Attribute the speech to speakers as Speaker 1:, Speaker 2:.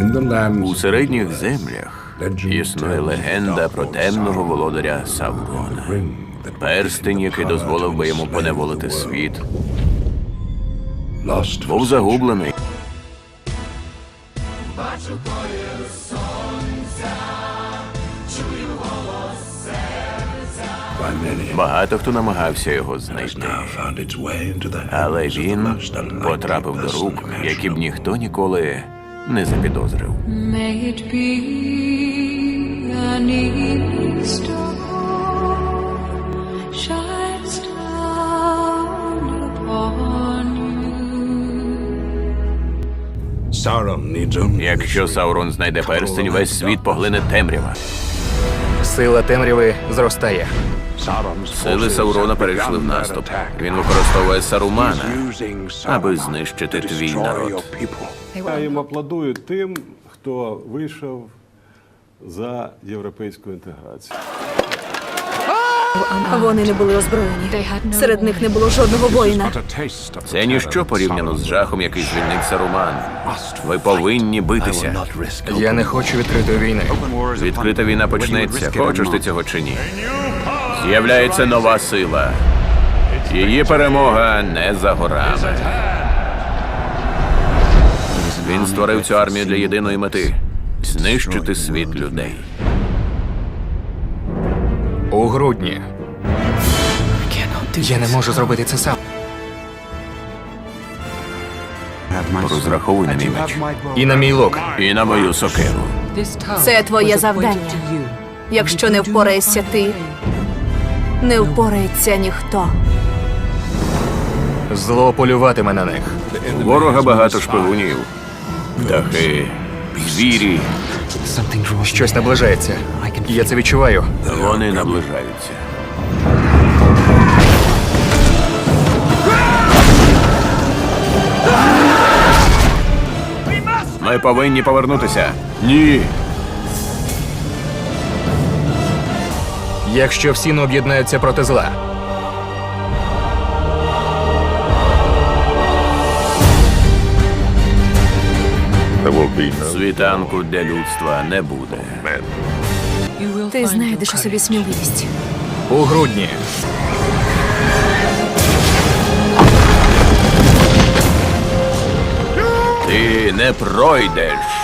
Speaker 1: У середніх землях існує легенда про темного володаря Саурона. Перстень, який дозволив би йому поневолити світ, був загублений. Багато хто намагався його знайти, але він потрапив до рук, які б ніхто ніколи не запідозрив.
Speaker 2: May it be an Easter shines down upon you.
Speaker 1: Якщо Саурон знайде перстень, весь світ поглине темрява.
Speaker 3: Сила темряви зростає.
Speaker 1: Сили Саурона перейшли в наступ. Він використовує Сарумана, аби знищити твій народ.
Speaker 4: Я їм аплодую тим, хто вийшов за європейську інтеграцію.
Speaker 5: Вони не були озброєні. Серед них не було жодного воїна.
Speaker 1: Це ніщо порівняно з жахом, який звільнить Саруман. Ви повинні битися.
Speaker 3: Я не хочу відкритої війни.
Speaker 1: Відкрита війна почнеться, хочеш ти цього чи ні. З'являється нова сила. Її перемога не за горами. Він створив цю армію для єдиної мети – знищити світ людей.
Speaker 3: У грудні. Я не можу зробити це сам.
Speaker 1: Розраховуй на мій меч.
Speaker 3: І на мій лук.
Speaker 1: І на мою сокиру.
Speaker 5: Це твоє завдання. Якщо не впораєшся ти, не впорається ніхто.
Speaker 3: Зло полюватиме на них.
Speaker 1: У ворога багато шпигунів. Птахи, звірі.
Speaker 3: Щось наближається. Я це відчуваю.
Speaker 1: Вони наближаються. Ми повинні повернутися. Ні.
Speaker 3: Якщо всі не об'єднаються проти зла.
Speaker 1: Світанку для людства не буде.
Speaker 5: Ти знайдеш у собі сміливість.
Speaker 3: У грудні.
Speaker 1: Ти не пройдеш.